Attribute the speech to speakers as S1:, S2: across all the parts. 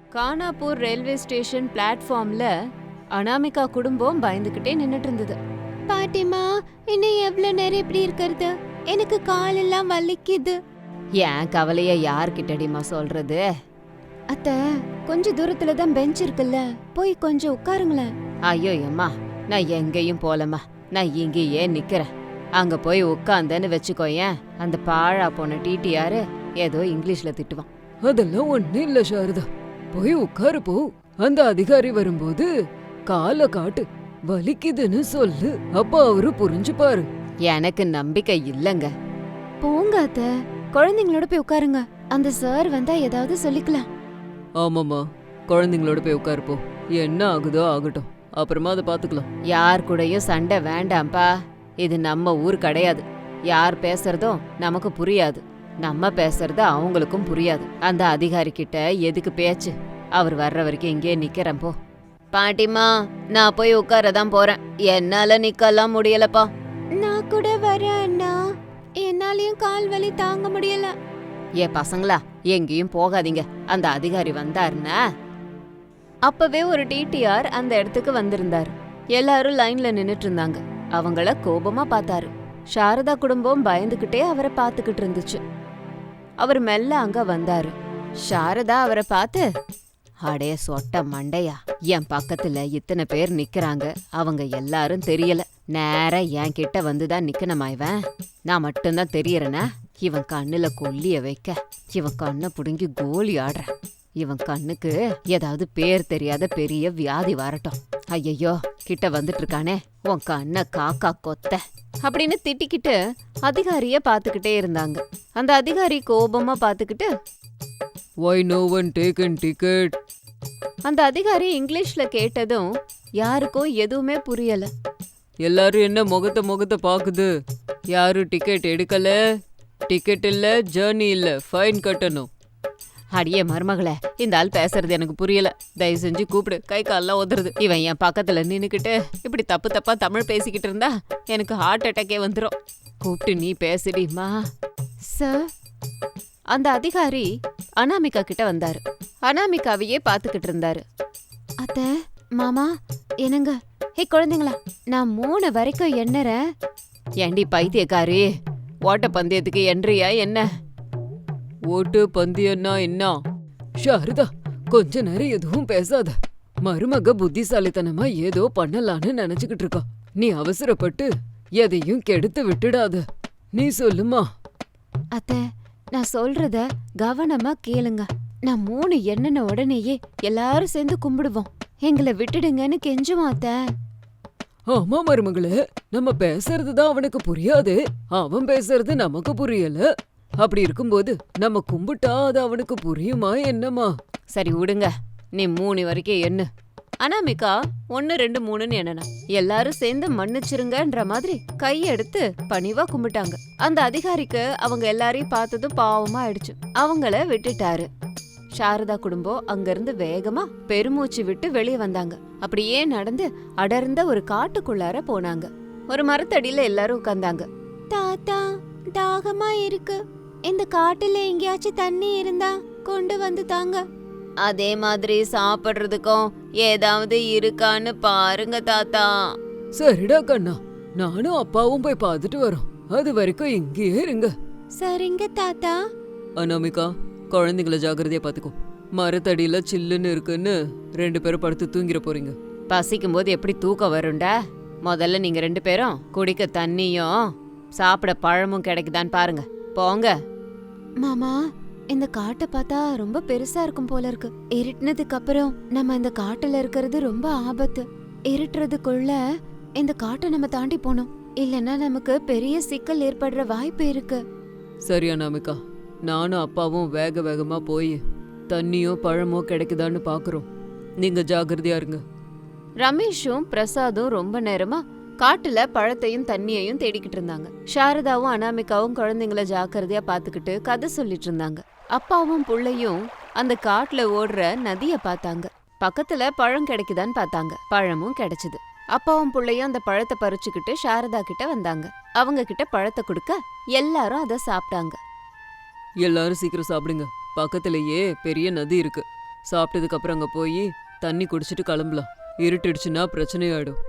S1: கானாப்பூர் railway station பிளாட்ஃபார்ம்ல அனாமிகா குடும்பம் பயந்துகிட்டே நின்னுட்டு இருந்தது. பாட்டிமா, இன்னும் எவ்வளவு நேரம் இப்படி இருக்கிறது? எனக்கு காலெல்லாம் வலிக்குது. ஏன் கவலைய யார்கிட்டடிமா சொல்றது? அத்த, கொஞ்ச தூரத்துல தான் பெஞ்ச் இருக்குல்ல, போய் கொஞ்சம் உட்காருங்களேன். ஐயோ அம்மா, நான் எங்கேயும் போலம்மா, நான் இங்கேயே நிக்கிறேன். அங்க போய் உட்காந்தேன்னு வச்சுக்கோயேன், அந்த பாழா போன டிடிஆர் ஏதோ இங்கிலீஷ்ல திட்டுவான்.
S2: அதெல்லாம் ஒண்ணு இல்ல சாரதா, போய் உட்காரு போ. அந்த அதிகாரி வரும்போது கால காட்டு, வலிக்குதுன்னு சொல்லு, அப்ப அவரு புரிஞ்சுப்பாரு.
S1: எனக்கு நம்பிக்கை இல்லங்க. போங்க அத்த, குழந்தைங்களோட போய் உட்காருங்க. அந்த சார் வந்தா ஏதாவது சொல்லிக்கலாம்.
S2: ஆமாமா, குழந்தைங்களோட போய் உட்காரு போ. என்ன ஆகுதோ ஆகட்டும், அப்புறமா அதை பாத்துக்கலாம்.
S1: யார் கூடயும் சண்டை வேண்டாம்ப்பா. இது நம்ம ஊர் கிடையாது. யார் பேசுறதும் நமக்கு புரியாது, நம்ம பேசுறது அவங்களுக்கும் புரியாது. அந்த அதிகாரி கிட்ட எதுக்கு பேச்சு? அவர் வர்ற வரைக்கும் இங்கே நிக்கிறேன் போ. பாட்டிமா, நான் போய் உட்காரதான் போறேன். என்னால நிக்கலாம் முடியலப்பா. நான் கூட வரேன் அண்ணா, என்னாலயும் கால் வலி தாங்க முடியல. ஏ பசங்களா, எங்கேயும் போகாதீங்க, அந்த அதிகாரி வந்தாருன்னா. அப்பவே ஒரு டிடிஆர் அந்த இடத்துக்கு வந்திருந்தாரு. எல்லாரும் லைன்ல நின்னுட்டு இருந்தாங்க. அவங்கள கோபமா பார்த்தாரு. சாரதா குடும்பம் பயந்துகிட்டே அவரை பார்த்துக்கிட்டு இருந்துச்சு. அவர் மெல்ல அங்க வந்தாரு. சாரதா அவரை பார்த்து, அடைய சொட்ட மண்டையா, என் பக்கத்துல இத்தனை பேர் நிக்கிறாங்க, அவங்க எல்லாரும் தெரியல, நேரா என் கிட்ட வந்துதான் நிக்கணுமா இவன்? நான் மட்டும்தான் தெரியறேனா? இவன் கண்ணுல கொல்லிய வைக்க, இவன் கண்ணை புடுங்கி கோலி ஆடுற. இவன் கண்ணுக்கு ஏதாவது பேர் தெரியாத பெரிய வியாதி வரட்டும். ஐயையோ, கிட்ட வந்துட்டு இருக்கானே, உன் கண்ணை காக்கா கொத்த அப்படின்னு திட்டிக்கிட்டு அதிகாரிய பாத்துக்கிட்டே இருந்தாங்க. அந்த அதிகாரி கோபமா பாத்துக்கிட்டு,
S2: Why no one taken ticket?
S1: அந்த அதிகாரி இங்கிலீஷ்ல கேட்டதும் யாருக்கும் எதுவுமே புரியல.
S2: எல்லாரும் என்ன முகத்தை பாக்குது? யாரும் டிக்கெட் எடுக்கல? டிக்கெட் இல்ல, ஜர்னி இல்ல, ஃபைன் கட்டணும்.
S1: அடியே மருமகளே, இந்த ஆள் பேசுறது எனக்கு புரியல, தயவு செஞ்சு கூப்பிடு, கை கால்லாம் உதறது. இவன் என் பக்கத்துல நின்னுக்கிட்டு இப்படி தப்பு தப்பா தமிழ் பேசிக்கிட்டு இருந்தா எனக்கு ஹார்ட் அட்டாக்கே வந்துடும். கூப்பிட்டு நீ பேசுடிமா. சார், அந்த அதிகாரி அனாமிகா கிட்ட வந்தாரு. அனாமிகாவையே பாத்துக்கிட்டு இருந்தாரு. அத்த, மாமா, என்னங்க? ஹே குழந்தைங்களா, நான் 3 வரைக்கும் எண்ணறேன். ஏண்டி பைத்தியக்காரி, ஓட்ட பந்தயத்துக்கு எண்றியா என்ன?
S2: ஓட்டு பந்தயம்னா என்ன? சாரதா, கொஞ்ச நேரம் எதுவும் பேசாத. மருமக புத்திசாலித்தனமா ஏதோ பண்ணலான்னு நினைச்சுக்கிட்டு இருக்கா. நீ அவசரப்பட்டு எதையும் கெடுத்து விட்டுடாத. நீ சொல்லுமா.
S1: அத்த, நான் சொல்றத கவனமா கேளுங்க. நான் 3 எண்ணன உடனேயே எல்லாரும் சேர்ந்து கும்பிடுவோம். எங்களை விட்டுடுங்கன்னு கெஞ்சுவோம் அத்த.
S2: ஆமா மருமகளே, நம்ம பேசுறதுதான் அவனுக்கு புரியாது, அவன் பேசுறது நமக்கு புரியல. அப்படி இருக்கும்போது நம்ம கும்பிட்டா அது அவனுக்கு புரியுமா என்னமா?
S1: சரி விடுங்க, நீ 3 வரைக்கும் எண்ணு. அனாமிகா 1 2 3ன்னு எண்ணனா. எல்லாரும் சேர்ந்து மன்னிச்சிருங்கன்ற மாதிரி கையெடுத்து பணிவா கும்பிட்டாங்க. அந்த அதிகாரிக்கு அவங்க எல்லாரையும் பார்த்ததும் பாவமா ஆயிடுச்சு. அவங்கள விட்டுட்டாரு. சாரதா குடும்பம் அங்கிருந்து வேகமா பெருமூச்சு விட்டு வெளியே வந்தாங்க. அப்படியே நடந்து அடர்ந்த ஒரு காட்டுக்குள்ளார போனாங்க. ஒரு மரத்தடியில எல்லாரும் உட்கார்ந்தாங்க. தாத்தா, தாகமா இருக்கு, இந்த காட்டுல எங்கேயாச்சும் தண்ணி இருந்தா கொண்டு வந்து தாங்க. அதே மாதிரி சாப்பிடுறதுக்கும் ஏதாவது இருக்கான்னு பாருங்க தாத்தா.
S2: சரிடா கண்ணா, நானும் அப்பாவும் போய் பார்த்துட்டு வரோம். அது வரைக்கும் இங்கேயே இருங்க.
S1: சரிங்க தாத்தா.
S2: அனாமிகா, குழந்தைங்கள ஜாக்கிரதையா பாத்துக்கோ. மரத்தடியில சில்லுன்னு இருக்குன்னு 2 பேரும் படுத்து தூங்கிட போறீங்க.
S1: பசிக்கும் போது எப்படி தூக்கம் வரும்டா? முதல்ல நீங்க 2 பேரும் குடிக்க தண்ணியும் சாப்பிட பழமும் கிடைக்குதான்னு பாருங்க. போங்க. மாமா, இந்த காட்டை பார்த்தா ரொம்ப பெருசா இருக்கும் போல இருக்கு. இருட்டுனதுக்கு அப்புறம் நம்ம இந்த காட்டுல இருக்கிறது ரொம்ப ஆபத்து. இருட்டுறதுக்குள்ள இந்த காட்டை நம்ம தாண்டி போனோம், இல்லைன்னா நமக்கு பெரிய சிக்கல் ஏற்படுற வாய்ப்பு இருக்கு.
S2: சரி அனாமிகா, நானும் அப்பாவும் வேக வேகமா போய் தண்ணியோ பழமோ கிடைக்குதான்னு பாக்குறோம். நீங்க ஜாகிரதையா இருங்க.
S1: ரமேஷும் பிரசாதும் ரொம்ப நேரமா காட்டுல பழத்தையும் தண்ணியையும் தேடிக்கிட்டு இருந்தாங்க. சாரதாவும் அனாமிகாவும் குழந்தைங்கள ஜாக்கிரதையா பாத்துக்கிட்டு கதை சொல்லிட்டு இருந்தாங்க. அப்பாவும் புள்ளையும் அந்த காட்டுல ஓடுற நதிய பார்த்தாங்க. பக்கத்துல பழம் கிடைக்குதான்னு பார்த்தாங்க. பழமும் கிடைச்சது. அப்பாவும் புள்ளையும் அந்த பழத்தை பறிச்சுக்கிட்டு சாரதா கிட்ட வந்தாங்க. அவங்க கிட்ட பழத்தை கொடுக்க எல்லாரும் அதை சாப்பிட்டாங்க.
S2: எல்லாரும் சீக்கிரம் சாப்பிடுங்க, பக்கத்திலேயே பெரிய நதி இருக்கு. சாப்பிட்டதுக்கு அப்புறம் அங்க போய் தண்ணி குடிச்சிட்டு கிளம்பலாம். இருட்டிடுச்சுன்னா பிரச்சனையாயிடும்.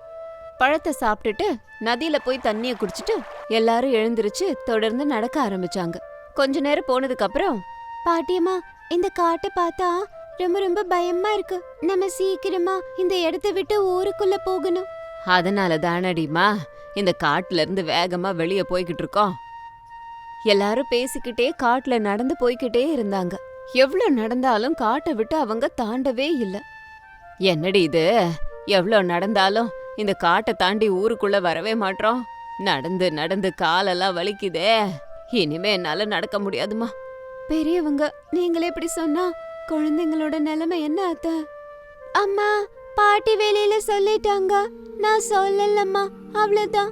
S1: பழத்தை சாப்பிட்டுட்டு நதியில போய் தண்ணிய குடிச்சிட்டு எல்லாரும் எழுந்திருச்சு தொடர்ந்து நடக்க ஆரம்பிச்சாங்க. கொஞ்ச நேரம் போனதுக்கு அப்புறம், பாட்டியம்மா, இந்த காட்டை பார்த்தா ரொம்ப ரொம்ப பயமா இருக்கு. நம்ம சீக்கிரமா இந்த இடத்த விட்டு ஊருக்குள்ள போகணும். அதனால தானடிமா இந்த காட்டுல இருந்து வேகமா வெளியே போய்கிட்டு இருக்கோம். எல்லாரும் பேசிக்கிட்டே காட்டுல நடந்து போய்கிட்டே இருந்தாங்க. எவ்ளோ நடந்தாலும் காட்டை விட்டு அவங்க தாண்டவே இல்ல. என்னடி இது, எவ்ளோ நடந்தாலும் இந்த காட்டை தாண்டி ஊருக்குள்ள வரவே மாட்டோம். நடந்து நடந்து காலெல்லாம் வலிக்குதே. இனிமே என்னால நடக்க முடியாதுமா. பெரியவங்க, நீங்களே இப்படி சொன்னா குழந்தைங்களோட நிலைமை என்ன ஆத்த? அம்மா, பாட்டி வெளியில சொல்லிட்டாங்க, நான் சொல்லலம்மா, அவ்வளவுதான்.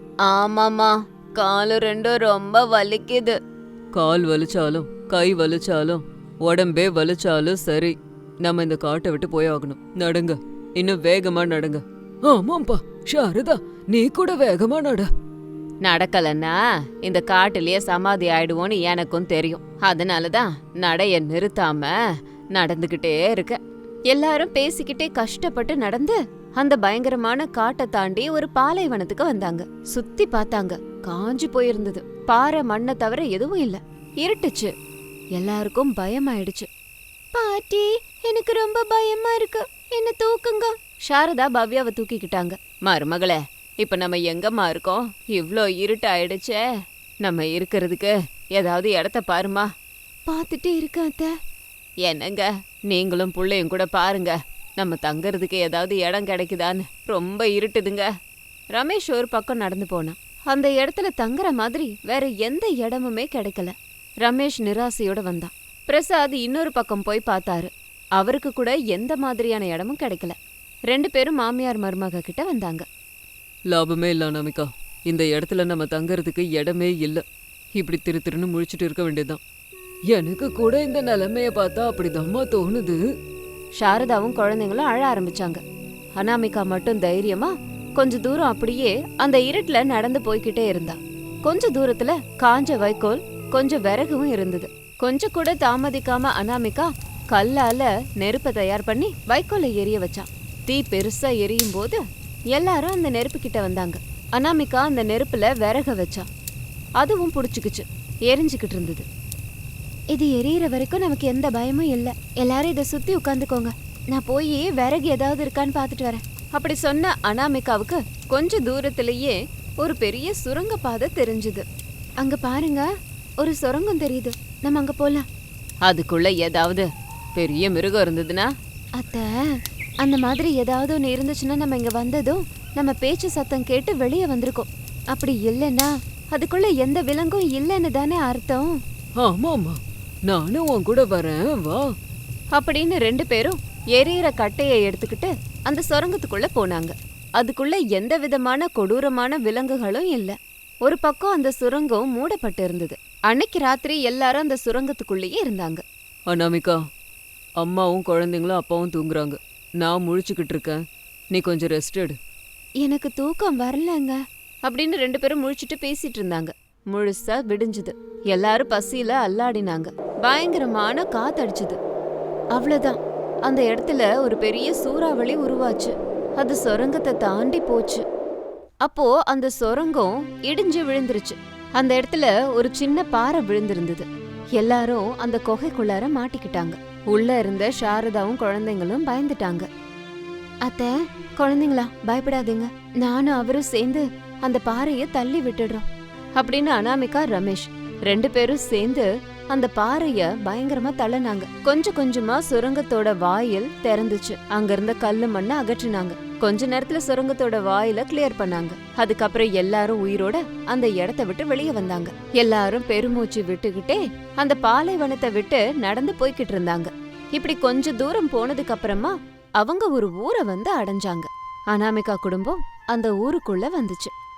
S1: ஆமாமா, காலு ரெண்டும் ரொம்ப வலிக்குது.
S2: கால் வலிச்சாலும் கை வலிச்சாலும் உடம்பே வலிச்சாலும் சரி, நம்ம இந்த காட்டை விட்டு போயாகணும். நடங்க, இன்னும் வேகமா நடங்க. ஆமாம்பா சாரதா, நீ கூட வேகமா நட.
S1: நடக்கலன்னா இந்த காட்டுலயே சமாதி ஆயிடுவோன்னு எனக்கும் தெரியும். அதனாலதான் நடைய நிறுத்தாம நடந்துகிட்டே இருக்க. எல்லாரும் பேசிக்கிட்டே கஷ்டப்பட்டு நடந்து அந்த பயங்கரமான காட்டை தாண்டி ஒரு பாலைவனத்துக்கு வந்தாங்க. சுத்தி பார்த்தாங்க, காஞ்சு போயிருந்தது. பாறை மண்ணை தவிர எதுவும் இல்ல. இருட்டுச்சு. எல்லாருக்கும் பயமாயிடுச்சு. பாட்டி, எனக்கு ரொம்ப பயமா இருக்கு, என்ன தூக்குங்க. சாரதா பவ்யாவை தூக்கிக்கிட்டாங்க. மருமகளே, இப்ப நம்ம எங்கம்மா இருக்கோம்? இவ்ளோ இருட்டு ஆயிடுச்சே. நம்ம இருக்கிறதுக்கு ஏதாவது இடத்த பாருமா. பாத்துட்டு இருக்க அத்தை. என்னங்க, நீங்களும் புள்ளையும் கூட பாருங்க, நம்ம தங்கறதுக்கு ஏதாவது இடம் கிடைக்குதான்னு. ரொம்ப இருட்டுதுங்க. ரமேஷ் ஒரு பக்கம் நடந்து போனான். அந்த இடத்துல தங்குற மாதிரி வேற எந்த இடமுமே கிடைக்கல. ரமேஷ் நிராசையோட வந்தான். பிரசாத் இன்னொரு பக்கம் போய் பார்த்தாரு. அவருக்கு கூட எந்த மாதிரியான இடமும் கிடைக்கல. 2 பேரும் மாமியார் மருமக கிட்ட வந்தாங்க.
S2: லாபமே இல்ல அனாமிகா, இந்த இடத்துல நம்ம தங்கறதுக்கு இடமே இல்ல. இப்படி திருன்னு முழிச்சிட்டு இருக்க வேண்டியதுதான். எனக்கு கூட இந்த நிலைமைய பார்த்தா அப்படிதாம்மா தோணுது.
S1: சாரதாவும் குழந்தைங்களும் அழ ஆரம்பிச்சாங்க. அனாமிகா மட்டும் தைரியமா கொஞ்ச தூரம் அப்படியே அந்த இருட்டுல நடந்து போய்கிட்டே இருந்தா. கொஞ்ச தூரத்துல காஞ்ச வைக்கோல், கொஞ்சம் விறகும் இருந்தது. கொஞ்சம் கூட தாமதிக்காம அனாமிகா கல்லால நெருப்பை தயார் பண்ணி வைக்கோலை எரிய வச்சான். தீ பெருசா எரியும் போது எல்லாரும் அந்த நெருப்பு கிட்ட வந்தாங்க. அனாமிகா அந்த நெருப்புல விறக வச்சா. அதுவும் புடிச்சுக்குச்சு, எரிஞ்சுக்கிட்டு இருந்தது. இது எரியற வரைக்கும் நமக்கு எந்த பயமும் இல்ல. எல்லாரும் இதை சுத்தி உட்காந்துக்கோங்க, நான் போய் விறகு ஏதாவது இருக்கான்னு பாத்துட்டு வரேன். அப்படி சொன்ன அனாமிகாவுக்கு கொஞ்ச தூரத்திலேயே ஒரு பெரிய சுரங்க பாதை தெரிஞ்சுது. அங்க பாருங்க, ஒரு சுரங்கம் தெரியுது, நம்ம அங்க போலாம். அதுக்குள்ள ஏதாவது பெரிய மிருகம் இருந்ததுன்னா? அத்தை, அந்த மாதிரி ஏதாவது ஒன்று இருந்துச்சுன்னா நம்ம இங்க வந்ததும் நம்ம பேச்சு சத்தம் கேட்டு வெளியே வந்திருக்கோம். அப்படி இல்லைன்னா அதுக்குள்ள எந்த விலங்கும் இல்லைன்னு தானே அர்த்தம்.
S2: ஆமாமா, நானும் உன் கூட வரேன், வா
S1: அப்படின்னு 2 பேரும் எரியிற கட்டையை எடுத்துக்கிட்டு அந்த சுரங்கத்துக்குள்ள போனாங்க. அதுக்குள்ள எந்த விதமான கொடூரமான விலங்குகளும் இல்ல. ஒரு பக்கம் அந்த சுரங்கம் மூடப்பட்டு இருந்தது. அன்னைக்கு ராத்திரி எல்லாரும் அந்த சுரங்கத்துக்குள்ளேயே இருந்தாங்க.
S2: அனாமிகா, அம்மாவும் குழந்தைங்களும் அப்பாவும் தூங்குறாங்க, நான் முழிச்சுக்கிட்டு இருக்கேன், நீ கொஞ்சம் ரெஸ்ட் எடு.
S1: எனக்கு தூக்கம் வரலங்க அப்படின்னு 2 பேரும் முழிச்சிட்டு பேசிட்டு இருந்தாங்க. முழுசா விடிஞ்சுது. எல்லாரும் பசியில அல்லாடினாங்க. பயங்கரமான காத்தடிச்சுது. அவ்வளவுதான், அந்த இடத்துல ஒரு பெரிய சூறாவளி உருவாச்சு. அது சுரங்கத்தை தாண்டி போச்சு. அப்போ அந்த சுரங்கம் இடிஞ்சு விழுந்துருச்சு. அந்த இடத்துல ஒரு சின்ன பாறை விழுந்திருந்தது. எல்லாரும் அந்த குகைக்குள்ளார மாட்டிக்கிட்டாங்க. உள்ள இருந்த சாரதாவும் குழந்தைங்களும் பயந்துட்டாங்க. அத்தை, குழந்தைங்களா பயப்படாதீங்க, நானும் அவரும் சேர்ந்து அந்த பாறைய தள்ளி விட்டுடுறோம் அப்படின்னு அனாமிகா, ரமேஷ் 2 பேரும் சேர்ந்து அந்த பாறைய பயங்கரமா தள்ளனாங்க. கொஞ்சம் கொஞ்சமா சுரங்கத்தோட வாயில் திறந்துச்சு. அங்க இருந்த கல்லு மண்ணை அகற்றினாங்க. கொஞ்ச நேரத்துல சுரங்கத்தோட வாயில கிளியர் பண்ணாங்க. அதுக்கப்புறம் எல்லாரும் உயிரோட அந்த இடத்த விட்டு வெளியே வந்தாங்க. எல்லாரும் பெருமூச்சு விட்டுக்கிட்டே அந்த பாலைவனத்தை விட்டு நடந்து போய்கிட்டு இருந்தாங்க. இப்படி கொஞ்ச தூரம் போனதுக்கு அப்புறமா அவங்க ஒரு ஊரை வந்து அடைஞ்சாங்க. அனாமிகா குடும்பம் அந்த ஊருக்குள்ள வந்துச்சு.